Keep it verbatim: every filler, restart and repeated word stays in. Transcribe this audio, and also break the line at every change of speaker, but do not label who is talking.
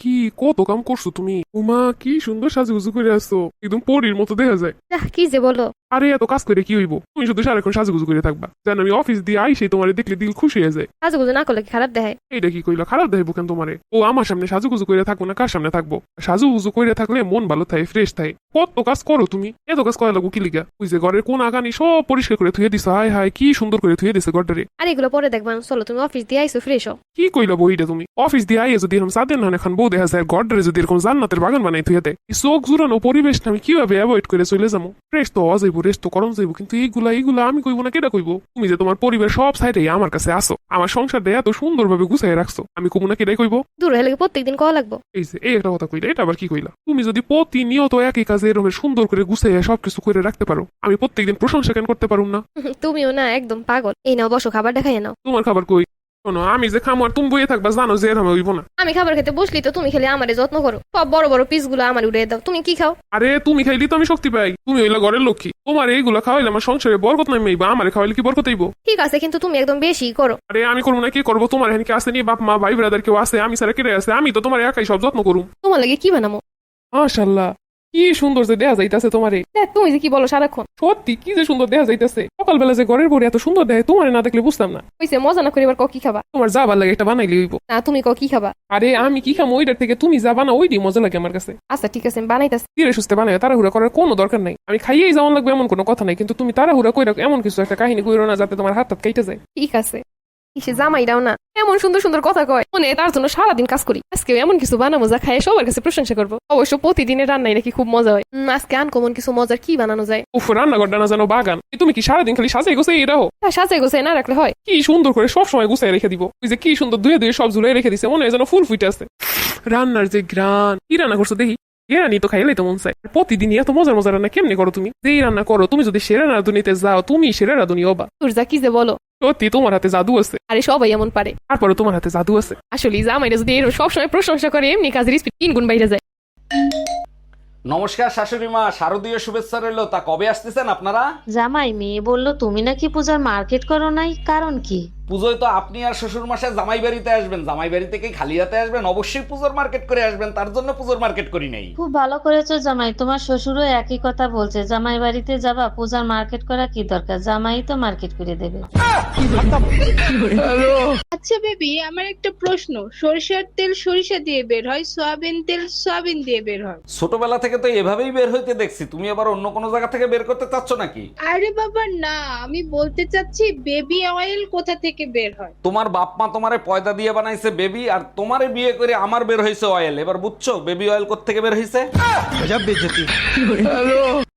কি কত কাম করছো তুমি? উমা কি সুন্দর সাজুগুজু করে আসছো, একদম পরীর মতো দেখা যায়।
আহ, কি যে বলো।
আরে এত কাজ করে কি হইব, তুমি শুধু সারাক্ষণ সাজুগুজু করে থাকবা। জান আমি অফিস দিয়ে আইসে তোমার দেখলে দিল খুশি হয়ে যায়।
সাজুগুজু না করলে কি খারাপ দেখায়?
এইটা কি কইলা, খারাপ দেখাইবো কেন তোমারে? ও আমার সামনে সাজুগুজু করে থাকবো না কার সামনে থাকবো? সাজুগুজু করে থাকলে মন ভালো থাকে, ফ্রেশ থাকে। কত কাজ করো তুমি, এত কাজ করা লাগবো কি লিগা? ওই যে ঘরের কোন আগানি সব পরিষ্কার করে ধুয়ে দিছো, হায় হায় কি সুন্দর করে ধুয়ে দিছে ঘরটারে।
আর এগুলো পরে দেখবেন, চলো তুমি অফিস দিয়ে আইসো, ফ্রেশ হও।
কি কইলা বইটা তুমি? অফিস দিয়ে আইয়ে যদি এরকম সাদের না এখন বউ দেখা যায়, ঘরটারে যদি এরকম জান্নাতের বাগান বানাই থুয়ে দেয়, এই চোখ জুড়ানো পরিবেশ আমি কিভাবে অ্যাভয়েড করে চলে যাবো? ফ্রেশ তো হওয়া যাইবো, রেস্ট তো করণ যাইবো, কিন্তু এইগুলা এইগুলা আমি কইবো না কেটা কইবো? তুমি যে তোমার পরিবার সব সাইডে আমার কাছে আসো, আমার সংসারটা এত সুন্দর ভাবে গুছাই রাখছো, আমি কইবো না কেটাই কইবো?
দূর হলে প্রত্যেকদিন কওয়া লাগবো?
এই যে এই একটা কথা কইলা, এটা আবার কি কইলা? তুমি যদি প্রতিনিয়ত একই কাজে এরকম সুন্দর করে গুছাইয়া সবকিছু করে রাখতে পারো, আমি প্রত্যেকদিন প্রশংসা কেন করতে পারুম না?
তুমিও না একদম পাগল। এই নাও বসো, খাবার দেখাই নাও।
তোমার খাবার কই? শোনো, আমি যে খামো আর তুমি বইয়ে থাকবা, জানো যে এরকম হইব না।
আমি খাবার খেতে বসলি তো তুমি খেলে আমারে যত্ন করো, সব বড় বড় পিস গুলো আমার উড়িয়ে দাও। তুমি কি খাও?
আরে তুমি খাইলি তো আমি শক্তি পাই, তুমি হইলা ঘরের লক্ষ্মী। তোমার এইগুলা খাওয়াইলে আমার সংসারে বরকত নাই মেইবা, আমারে খাওয়াইলে কি বরকত হইব?
ঠিক আছে, কিন্তু তুমি একদম বেশি করো।
আরে আমি করবো না কি করবো? তোমার এখানে কি আসে নি? বাপ মা ভাই ব্রাদার কেউ আছে? আমি সারা কেটে আছে? আমি তো তোমার একাই সব যত্ন করুম।
তোমার লাগে কি বানামো?
মাশাআল্লাহ, কি সুন্দর যে দেখা যাইতাছে তোমারে।
দেখ, তুমি যে কি বলো সারাক্ষণ।
সত্যি কি যে সুন্দর দেখা যাইতাছে। সকালবেলা যে ঘরের বড়ি এত সুন্দর দেখে, তোমারে না দেখলে বুঝতাম না।
হইছে, মজা না করে এবার ক কি খাবা?
তোমার যা ভালো লাগে একটা বানাইলে হইব।
না, তুমি ক কি খাবা?
আরে আমি কি খামো ওইটার থেকে তুমি যা বানাও ওইটাই মজা লাগে আমার কাছে।
আচ্ছা ঠিক আছে, আমি বানাইতাছি।
ধীরে সুস্থে বানাই, তাড়াহুড়া করার কোনো দরকার নাই। আমি খাইয়েই যেমন লাগবে এমন কোনো কথা নাই, কিন্তু তুমি তাড়াহুড়া কইরা এমন কিছু একটা কাহিনী কইরো না যাতে তোমার হাত হাত কেটে যায়।
ঠিক আছে। কিসে জামাইরাও না এমন সুন্দর সুন্দর কথা কয়, মনে তার জন্য সারাদিন কাজ করি। আজকে এমন কিছু বানাবো যা খায় সবার কাছে প্রশংসা করবো। অবশ্য প্রতিদিনের রান্নাই নাকি খুব মজা হয়। উম, আজকে আনকমন কিছু মজার কি বানানো যায়।
উফ, রান্নাঘরটা না জানো বাগান। এই তুমি কি সারাদিন খালি সাজাই গোছাই এটা হো?
তা সাজাই গোছাই না রাখলে হয়?
কি সুন্দর করে সব সময় গুছাই রেখে দিব। ওই যে কি সুন্দর ধুয়ে ধুয়ে সব ঝুলাই রেখে দিছে, মনে হয় যেন ফুল ফুটে আছে। রান্নার যে গ্রান, কি রান্না করছো দেখি? এ রান্নি তো খাইলেই তো মন চায়। প্রতিদিন এত মজার মজার রান্না কেমনি করো তুমি? যেই রান্না করো, তুমি যদি সেরা রাঁধুনিতে যাও, তুমি সেরা রাঁধুনি হবা।
তোর যা কি যে বলো।
সত্যি তোমার হাতে জাদু আছে।
আরে সবাই এমন পারে।
তারপরে তোমার হাতে জাদু আছে।
আসলে জামাইরা যদি এরকম সবসময় প্রশংসা করে, এমনি কাজের স্পিড তিন গুণ বাইরে যায়।
নমস্কার শাশুড়ি মা, শারদীয় শুভেচ্ছা রইলো। তা কবে আসতেছেন আপনারা?
জামাই, মেয়ে বলল তুমি নাকি পূজার মার্কেট করো নাই, কারণ কি?
পুজোয় তো আপনি আর শ্বশুর মশাই জামাই বাড়িতে আসবেন, জামাই বাড়ি থেকে খালি হাতে আসবেন? অবশ্যই পুজোর মার্কেট করে আসবেন, তার জন্য পুজোর মার্কেট করি নাই।
খুব ভালো করেছো জামাই, তোমার শ্বশুরও একই কথা বলছে, জামাই বাড়িতে যাবা, পূজার মার্কেট করা কি দরকার, জামাই তো মার্কেট করে দেবে।
আচ্ছা বেবি, আমার একটা প্রশ্ন। সরিষার তেল সরিষা দিয়ে বের হয়, সয়াবিন তেল সয়াবিন দিয়ে বের হয়।
ছোটবেলা থেকে তো এভাবেই বের হইতে দেখছি, তুমি আবার অন্য কোনো জায়গা থেকে বের করতে চাচ্ছ নাকি?
আরে বাবা না, আমি বলতে চাচ্ছি বেবি অয়েল কোথা থেকে বের হয়।
তোমার বাপ মা তোমারে পয়দা দিয়ে বানাইছে বেবি, আর তোমারে বিয়ে করে আমার বের হয়েছে অয়েল। এবার বুঝছো বেবি অয়েল কোত্থেকে বের হয়েছে?